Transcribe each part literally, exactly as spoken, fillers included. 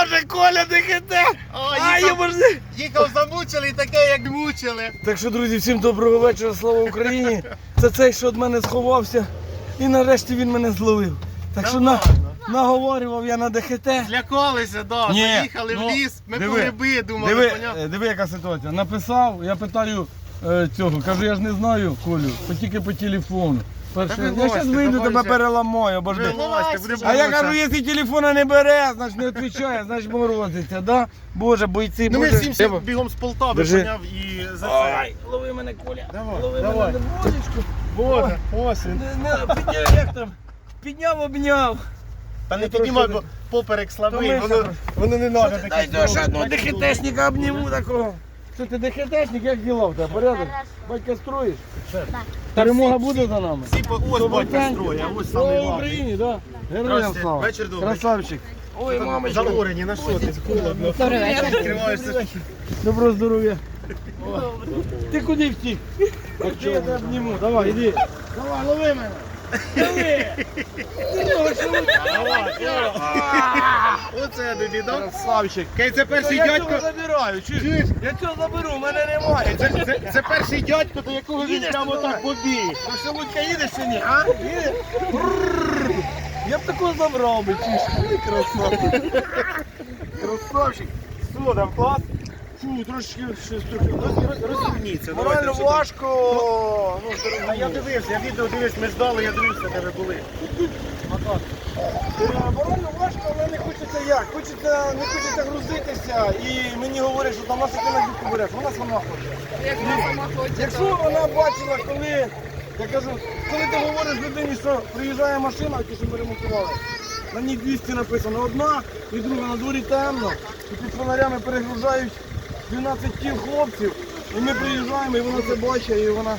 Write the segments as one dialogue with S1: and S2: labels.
S1: Боже, Коля, ДХТ!
S2: А, їхав, їхав замучили і таке, як мучили.
S1: Так що, друзі, всім доброго вечора, слава Україні. Це цей, що від мене сховався. І нарешті він мене зловив. Так що на, наговорював я на ДХТ.
S2: Злякалися, да.
S1: Ні,
S2: Заїхали
S1: ну,
S2: в ліс, ми
S1: диви,
S2: по гриби думали,
S1: Диви,
S2: поняв?
S1: е, диви, яка ситуація. Написав, я питаю е, цього, кажу, я ж не знаю, Колю, бо тільки по телефону. Перше,
S2: Та
S1: я
S2: вилазьте,
S1: зараз вийду,
S2: давай
S1: тебе
S2: вже.
S1: переламаю, обожди.
S2: Вилазьте, буде
S1: А я
S2: боляче.
S1: кажу, якщо телефона не бере, значить не відповідає, значить морозиться, да? Боже, бойці,
S2: Ну ми
S1: Боже.
S2: всім всім бігом з Полтави,
S1: Держи.
S2: поняв, і за це.
S1: Ой, лови мене, Коля.
S2: Давай,
S1: лови
S2: давай.
S1: мене на водичку.
S2: Боже, ось він.
S1: Не, не, підняв, як там? Підняв, обняв.
S2: Та не
S1: Я
S2: піднімай,
S1: трошки
S2: бо поперек слабий,
S1: Втомився
S2: воно,
S1: просто.
S2: воно не треба таке.
S1: Дай до ще одного ДХТшника обніму такого. Що ти ДХТшник, як діла в тебе? Порядок? Батька строїш? Перемога буде за нами?
S2: Всі по ось батька строє, а ось
S1: Слава
S2: самий главний.
S1: Україні, да? Героям
S2: Здравствуйте.
S1: слава.
S2: Вечір добрий.
S1: Красавчик. Ой, мамочка.
S2: Загорені, на що ти? Холодно. Відкриваєшся.
S1: Доброго здоров'я. Ти куди втік? Я тебе обніму. Давай, іди. Давай, лови мене. Лови.
S2: Оце я тобі, да?
S1: Красавчик.
S2: Кей, це перший
S1: Я
S2: дядько.
S1: цього забираю, чуєш?
S2: Чуєш?
S1: Я цього заберу, в мене немає.
S2: Це, це, це перший дядько, до якого він
S1: Їдеш
S2: прямо
S1: туди?
S2: так побіг.
S1: Ти що, Лудька, їдеш чи ні, а? Їдеш? Брррр. Я б такого забрав би, чуєш? Ой, красавчик. Красавчик. Що там, клас? Фу, трошки щось трохи.
S2: Розумніться.
S1: Морально важко. Ну,
S2: А я дивився, я відео дивився, ми ждали, я дивився, де ви були.
S1: Морально важко, але не хочеться як. Хочеться, не хочеться грузитися. І мені говорять, що там наша ти на дівку береш. Вона сама хоче.
S3: Як вона сама хоче,
S1: Якщо
S3: то
S1: вона бачила, коли, я кажу, коли ти говориш людині, що приїжджає машина, ті, що ми ремонтували, на ній двісті написано одна і друга, на дворі темно, і під фонарями перегружають дванадцять тіл хлопців, і ми приїжджаємо, і вона це бачить, і вона,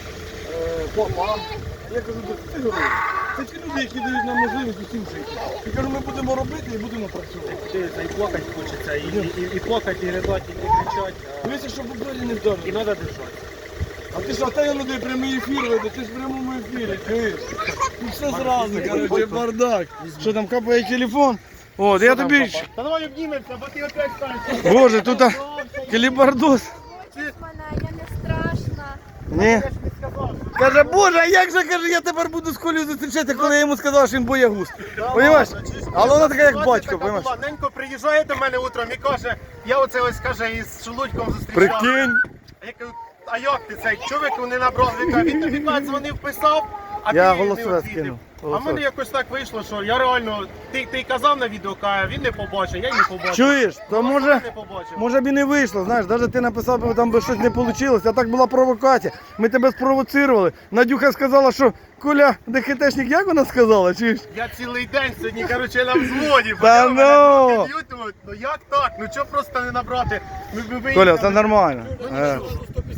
S1: е, папа, я кажу, ти герой. Це ті люди, які дають нам можливість усім жити. Я кажу, ми будемо робити і будемо працювати.
S2: І плакати хочеться, і, і, і плакати, і ридати, і кричати.
S1: Дивіться, щоб у брелі не вдарили.
S2: І треба держати.
S1: А ти що, та я не прямий ефір веде, ти ж в прямому ефірі, чуєш? Тут все зразу, короче, бардак. Що там, капає телефон? От, я тобі... ж-
S2: Та давай обнімемося, бо ти опять станеш.
S1: Боже, тут а, калібардос.
S3: хочеш мене, я не страшна.
S1: Ні.
S2: Я ж не сказав.
S1: Каже, Боже, а як же, каже, я тепер буду з Колею зустрічати, коли я йому сказав, що він боягуз. Понимаєш? Але вона така, як батько, понимаєш?
S2: Ненько приїжджає до мене утром і каже, я оце ось, каже, із Шелудьком зустрічав.
S1: Прикинь.
S2: А я кажу, а як ти цей чоловік не набрав? Він каже, він тобі каже, дзвонив, писав, а
S1: Я
S2: ти не
S1: голосове
S2: відвідав.
S1: скинув.
S2: А в мене якось так вийшло, що я реально, ти, ти казав на відео, каже, він не побачив, я й не побачив.
S1: Чуєш, то
S2: Голосове
S1: може...
S2: не побачив.
S1: Може б і не вийшло, знаєш, навіть ти написав, бо там би щось не вийшло, а так була провокація. Ми тебе спровоцирували. Надюха сказала, що Коля ДХТшник, як вона сказала, чуєш?
S2: Я цілий день сьогодні, коротше, на взводі.
S1: Та
S2: поняв? Мене
S1: ну!
S2: трохи б'ють, думаю, ну як так? Ну чого просто не набрати? Ми, ми виїхали.
S1: Коля, все нормально.
S2: Ну
S1: Е,
S2: нічого.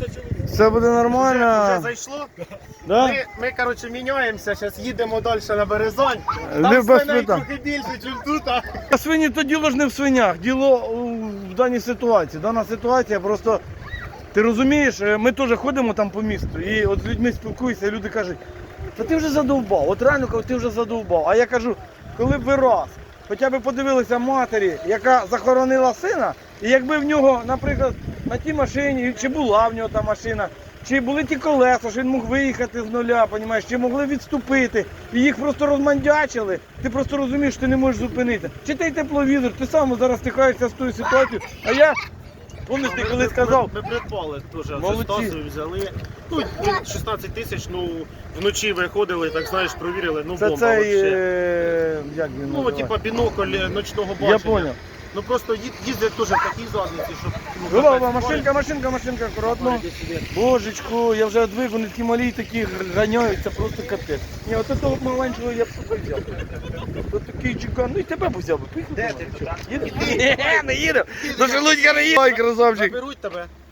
S1: Все буде
S2: Вже, вже
S1: нормально.
S2: зайшло.
S1: Да?
S2: Ми, ми, коротше, міняємося, зараз їдемо далі на Березань.
S1: Не
S2: Там
S1: без
S2: свиней
S1: питань.
S2: трохи більше, ніж тут. А...
S1: А свині то діло ж не в свинях, діло у- в даній ситуації. Дана ситуація просто, ти розумієш, е, ми теж ходимо там по місту і от з людьми спілкуюся, і люди кажуть, та ти вже задовбав, от реально кажу, ти вже задовбав. А я кажу, коли б ви раз, хоча б подивилися матері, яка захоронила сина, і якби в нього, наприклад, на тій машині, чи була в нього та машина, чи були ті колеса, що він мог виїхати з нуля, понімаєш, чи могли відступити, і їх просто розмандячили, ти просто розумієш, що ти не можеш зупинити. Чи той тепловізор, ти сам зараз стикаєшся з тою ситуацією, а я, пам'ятаєш, ти коли сказав,
S2: Ми придбали теж,
S1: Молодці.
S2: це Стасу взяли. Ну, шістнадцять тисяч, ну, вночі виходили, так знаєш, провірили, ну,
S1: це
S2: бомба
S1: цей,
S2: вообще.
S1: е, як він
S2: Ну,
S1: називається?
S2: типа бінокль ночного бачення.
S1: Я зрозумів.
S2: Ну, просто їд- їздять теж в такій задниці, щоб... ну,
S1: Голова,
S2: капець,
S1: машинка, машинка, машинка, акуратно.
S2: Ой, іди сюди.
S1: Божечку, я вже одвиг, вони такі малі, такі ганяються, просто капець. Ні, от того маленького я б супер взяв. От такий чекан, ну і тебе б взяв би. Поїхали.
S2: Де ти?
S1: Їде? Ні, не їду. До Шелудька не їду. Ой, красавчик.
S2: Заберуть тебе.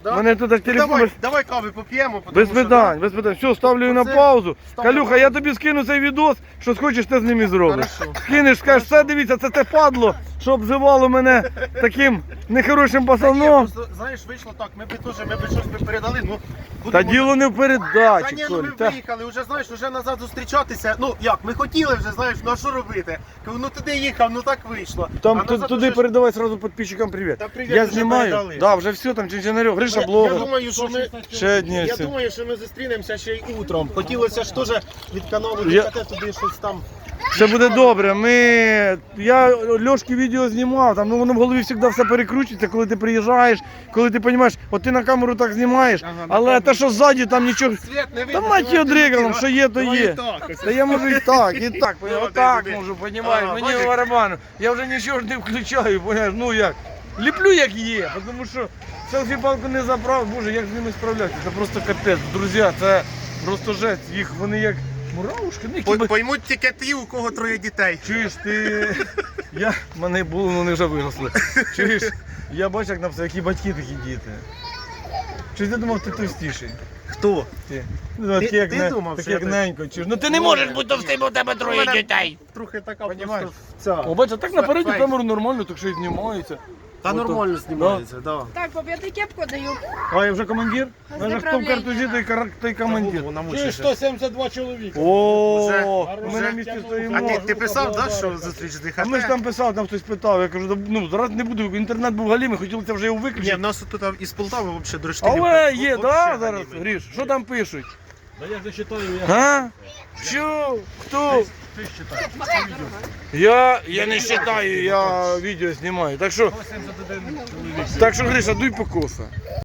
S2: Да?
S1: Мене тут так
S2: Ну,
S1: телефон.
S2: давай,
S1: без-
S2: давай кави поп'ємо. тому
S1: Без
S2: що,
S1: питань, без питань. Все, ставлю її на
S2: Оце
S1: паузу.
S2: ставлю
S1: Калюха,
S2: на
S1: я тобі скину цей відос, що схочеш, ти з ним і зробиш.
S2: Хорошо.
S1: Скинеш, скажеш, все, дивіться, це те падло, що обзивало мене таким нехорошим
S2: Та ні,
S1: пацаном.
S2: просто, знаєш, вийшло так, ми б теж, ми б щось би передали, ну...
S1: Та
S2: будемо-
S1: діло не в
S2: Та
S1: передачі,
S2: ні, ну
S1: Коль.
S2: ми
S1: Та-
S2: виїхали, вже знаєш, вже назад зустрічатися. Ну як, ми хотіли вже, знаєш, ну а що робити? Кажу, ну туди їхав, ну так вийшло.
S1: Там
S2: А
S1: ту-
S2: назад
S1: туди
S2: уже ж-
S1: передавай сразу підписчикам привіт.
S2: Та привіт,
S1: Я
S2: вже
S1: знімаю.
S2: передали.
S1: Да, вже все, там Чинчинарьов, Гриша
S2: Я, я
S1: блогер.
S2: думаю, що ми,
S1: Ще дні
S2: я
S1: всі.
S2: думаю, що ми зустрінемося ще й утром. Хотілося ж теж від каналу
S1: Я-
S2: ДКТ туди щось там.
S1: Все буде добре. Ми... Я Льошки відео знімав, там ну, воно в голові завжди все перекручується, коли ти приїжджаєш, коли ти розумієш, от ти на камеру так знімаєш,
S2: Ага, на
S1: але
S2: камеру.
S1: те, що ззаді, там нічого.
S2: Світ не
S1: Та мать його дригало, що є, то є. Та я можу і так, і так,
S2: Ну,
S1: поняв,
S2: ти
S1: отак
S2: туди.
S1: можу, понімаєш,
S2: Ага,
S1: мені
S2: бачиш?
S1: барабану. Я вже нічого ж не включаю, поняєш, ну як. Ліплю як є, тому що селфі-палку не забрав, боже, як з ними справлятися, це просто капець. Друзі, це просто жесть, їх вони як муравушки, ну, які
S2: Пой-
S1: би-
S2: Поймуть тільки ті, у кого троє дітей.
S1: Чуєш, ти. Я... в мене було, але вони вже виросли. Чуєш, я бачу, як написав, які батьки, такі діти. Чи ти думав, ти товстіший?
S2: Хто?
S1: Ти, ну,
S2: Ти-
S1: такий, як,
S2: ти
S1: не...
S2: думав,
S1: такий,
S2: що
S1: як
S2: я
S1: ненько. Чуєш? Ну ти не можеш бути товстим, бо в тебе троє
S2: мене-
S1: дітей.
S2: Трохи така
S1: Понімаєш?
S2: просто ця.
S1: О, бачиш, так напереді
S2: Фейк.
S1: камеру нормально, так що і знімається.
S2: Та
S1: Ото.
S2: нормально знімається, да.
S3: Так, папі, кепку даю.
S1: А я вже командир?
S3: З
S1: Вже хто в
S3: направлення.
S1: картузі, той, кар- той командир.
S2: Голову намучишся.
S4: сто сімдесят два чоловіка.
S1: О,
S2: Уже-
S1: ми на
S2: уже
S1: місці
S2: А
S1: стоїмо.
S2: ти, ти писав, да, що зустріч з ДХТ?
S1: А ми ж там писали, там хтось питав, я кажу, «Да, ну зараз не буду, інтернет був галімий, хотіли це вже його
S2: Ні,
S1: виключити.
S2: в нас тут із Полтави взагалі дроштилів.
S1: Але є, да, зараз, Гріш, що там пишуть?
S4: Да я вже читаю, я
S1: А? Що? Хто?
S4: ти читаю.
S1: Я, я не вважаю, я відео знімаю. Так що,
S4: сто сімдесят один чоловік.
S1: так що Гриша, дуй по коса.